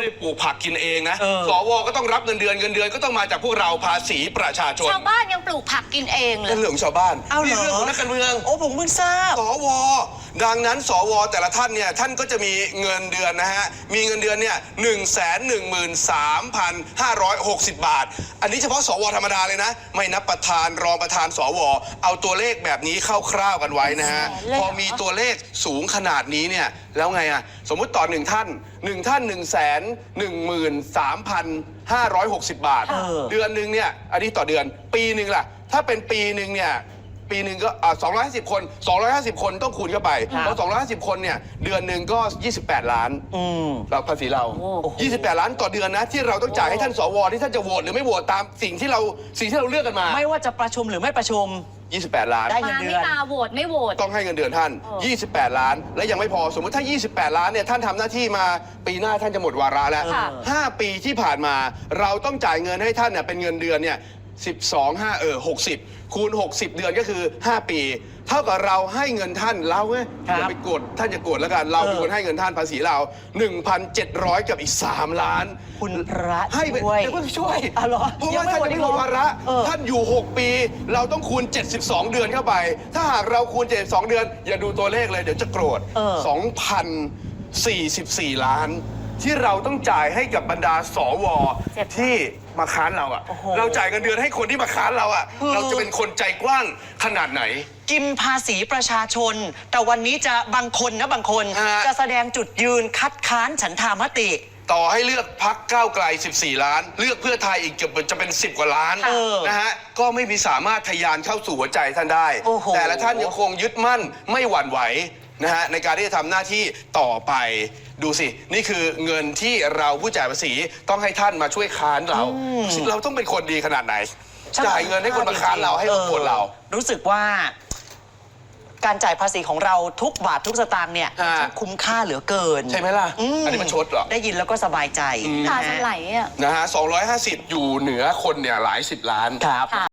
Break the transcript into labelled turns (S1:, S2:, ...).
S1: ได้ปลูกผักกินเองนะสวก็ต้องรับเงินเดือนก็ต้องมาจากพวกเราภาษีประชาชน
S2: ชาวบ้านยังปลูกผักกินเองเลย
S1: เป็นเรื่องของชาวบ้านนี่เรื่องของนักการเมือง
S3: โอ้ผมเพิ่งทราบ
S1: สวดังนั้นสวแต่ละท่านเนี่ยท่านก็จะมีเงินเดือนนะฮะมีเงินเดือนเนี่ย113,560 บาทอันนี้เฉพาะสวธรรมดาเลยนะไม่นับประธานรองประธานสวเอาตัวเลขแบบนี้คร่าวๆกันไว้นะฮะพอมีตัวเลขสูงขนาดนี้เนี่ยแล้วไงอะสมมุติต่อ1 ท่าน113,560 บาทเดือนหนึ่งเนี่ยอันนี้ต่อเดือนปีหนึ่งล่ะถ้าเป็นปีหนึ่งเนี่ยปีหนึ่งก็250 คน250 คนต้องคูณเข้าไปเพราะ250 คนเนี่ยเดือนหนึ่งก็28 ล้านเราภาษีเรา28 ล้านต่อเดือนนะที่เราต้องจ่ายให้ท่านสวที่ท่านจะโหวตหรือไม่โหวตตามสิ่งที่เราเลือกกันมา
S3: ไม่ว่าจะประชุมหรือไม่ประชุม
S1: 28 ล้าน
S3: ได้เงินเดือน
S2: ไม่มาโหวตไม่โหวต
S1: ต้องให้เงินเดือนท่าน28 ล้านและยังไม่พอสมมติถ้า28 ล้านเนี่ยท่านทำหน้าที่มาปีหน้าท่านจะหมดวาระแล้ว5 ปีที่ผ่านมาเราต้องจ่ายเงินให้ท่านเนี่ยเป็นเงินเดือนเนี่ย60คูณ60 เดือนก็คือ5 ปีเท่ากับเราให้เงินท่านเราไงอย่าไปกดท่านจะกดแล้วกันเราเป็นคนให้เงินท่านภาษีเรา 1,700 กับอีก3 ล้าน
S3: คุณพระ
S1: ให้ไปช่วยเพราะว่าท่านจะหมดวาระท่านอยู่6 ปีเราต้องคูณ72 เดือนเข้าไปถ้าหากเราคูณ72 เดือนอย่าดูตัวเลขเลยเดี๋ยวจะโกรธ2,044 ล้านที่เราต้องจ่ายให้กับบรรดาสวที่มาค้านเราอ่ะเราจ่ายเงินเดือนให้คนที่มาค้านเราอ่ะเราจะเป็นคนใจกว้างขนาดไหน
S3: กินภาษีประชาชนแต่วันนี้จะบางคนจะแสดงจุดยืนคัดค้านฉันทามติ
S1: ต่อให้เลือกพรรคก้าวไกล14 ล้านเลือกเพื่อไทยอีกจะเป็น10 กว่าล้านนะฮะก็ไม่มีสามารถทะยานเข้าสู่หัวใจท่านได้แต่ละท่านยังคงยึดมั่นไม่หวั่นไหวนะฮะในการที่จะทำหน้าที่ต่อไปดูสินี่คือเงินที่เราผู้จ่ายภาษีต้องให้ท่านมาช่วยค้านเราต้องเป็นคนดีขนาดไหนจ่ายเงินให้คนมาค้านเราให้คนเรา
S3: รู้สึกว่าการจ่ายภาษีของเราทุกบาททุกสตางค์เนี่ยคุ้มค่าเหลือเกิน
S1: ใช่ไหมล่ะอันนี้มันชดเหรอ
S3: ได้ยินแล้วก็สบายใจ
S2: ตาสไหลอ่ะ
S1: นะฮะ250อยู่เหนือคนเนี่ยหลาย10 ล้าน
S3: ครับ